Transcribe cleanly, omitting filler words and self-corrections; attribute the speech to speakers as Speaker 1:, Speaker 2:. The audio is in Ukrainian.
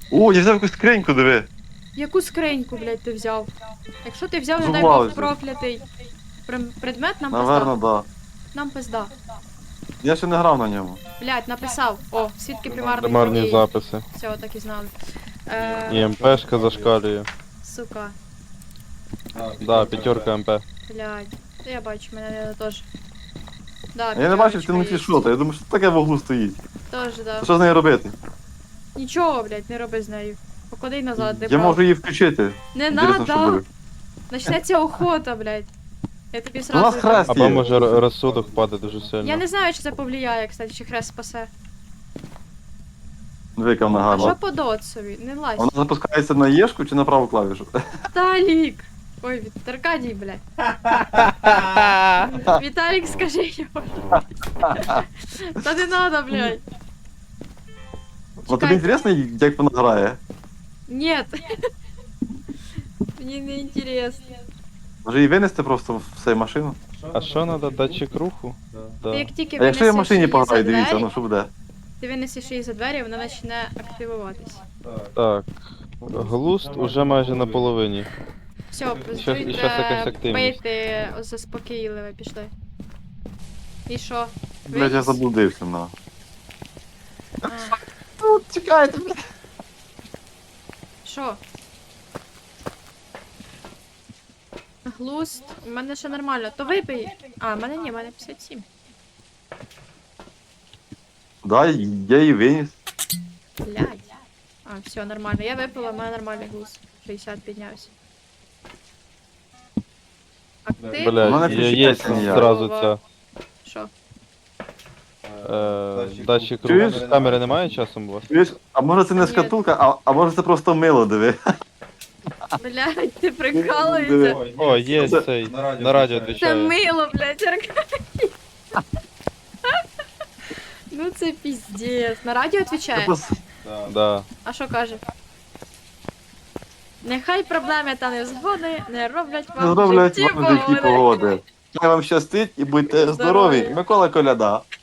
Speaker 1: О, я взяв якусь скриньку, диви.
Speaker 2: Яку скриньку, блядь, ти взяв? Якщо ти взяв, не дай
Speaker 1: Зубвали
Speaker 2: Бог,
Speaker 1: вже.
Speaker 2: проклятий предмет, нам
Speaker 1: Наверно,
Speaker 2: пизда.
Speaker 1: да.
Speaker 2: Нам пизда.
Speaker 1: Я ще не грав на ньому.
Speaker 2: Блядь, написав. О, свідки примарних
Speaker 3: Примарні
Speaker 2: подій.
Speaker 3: записи.
Speaker 2: Все, так і знали.
Speaker 3: І МПшка зашкалює.
Speaker 2: Сука.
Speaker 3: Да, 5 МП.
Speaker 2: Блядь. Та я бачу, мене теж. Да,
Speaker 1: Я не бачив, ти
Speaker 2: п'ятерочка
Speaker 1: внутрі
Speaker 2: є.
Speaker 1: що то. Я думаю, що таке в углу стоїть.
Speaker 2: Теж, да.
Speaker 1: Що з нею робити?
Speaker 2: Нічого, блядь, не роби з нею. Поклади назад, де
Speaker 1: Я можу її включити.
Speaker 2: Не
Speaker 1: Інтересно, що
Speaker 2: надо!
Speaker 1: буде.
Speaker 2: Начнеться охота, блядь. Я тобі
Speaker 1: У нас
Speaker 2: сразу...
Speaker 1: хрест
Speaker 3: Або
Speaker 1: є.
Speaker 3: може розсудок впаде дуже сильно.
Speaker 2: Я не знаю, чи це повлияє, кстати, чи хрест спасе.
Speaker 1: Двійка вона
Speaker 2: А що
Speaker 1: гарна.
Speaker 2: по доцові? Не лазь.
Speaker 1: Вона запускається на Єшку чи на праву клавішу?
Speaker 2: Віталік! Ой, Аркадій, блядь. Віталік, скажи йому. Та не надо, блядь.
Speaker 1: Ну тобі інтересно, як вона грає?
Speaker 2: Нет. Мені не інтересно.
Speaker 1: Може її винести просто в цю машину?
Speaker 3: А що треба, датчик руху?
Speaker 2: Ти
Speaker 3: Да.
Speaker 2: як тільки
Speaker 1: А якщо я в
Speaker 2: винесеш
Speaker 1: машині
Speaker 2: її за
Speaker 1: пограю, дивіться,
Speaker 2: двері,
Speaker 1: ну що буде?
Speaker 2: ти винесеш її за двері, вона почне активуватись.
Speaker 3: Так. Глуст уже майже на половині.
Speaker 2: Все,
Speaker 3: щас якась активність.
Speaker 2: пийте заспокійливе, пішли. І що?
Speaker 1: Блять, я
Speaker 2: Виніс?
Speaker 1: заблудився, на.
Speaker 2: А,
Speaker 1: Чекайте, блядь.
Speaker 2: Що? Глуст, у мене ще нормально. То випий. А, в мене ні, в мене 57.
Speaker 1: Да, я її виніс.
Speaker 2: Блядь. А, все, нормально. Я випила, в мене нормальний глуст. 60 піднявся. А ти?
Speaker 1: У мене
Speaker 3: Блять, є
Speaker 1: включається ніяк.
Speaker 3: зразу ця.
Speaker 2: Що?
Speaker 3: Датчик
Speaker 1: Чуєш?
Speaker 3: руху. Камери немає часом у вас?
Speaker 1: Чуєш, а може це не
Speaker 2: Ні.
Speaker 1: шкатулка, а може це просто мило, диви.
Speaker 2: Блядь, ти прикалуєшся?
Speaker 3: О, є
Speaker 1: Це-
Speaker 3: цей. На радіо
Speaker 2: Це
Speaker 3: відвічає.
Speaker 2: мило, блядь, Аркадій. Ну це піздець. На радіо
Speaker 1: Це
Speaker 2: відповідає?
Speaker 1: просто-
Speaker 3: Да.
Speaker 2: А що каже? Нехай проблеми та невзгоди не роблять
Speaker 1: Не
Speaker 2: вам
Speaker 1: зроблять
Speaker 2: житті
Speaker 1: вам житті
Speaker 2: погоди.
Speaker 1: погоди. Хай вам щастить і будьте
Speaker 2: Здорові.
Speaker 1: здорові. Микола Коляда.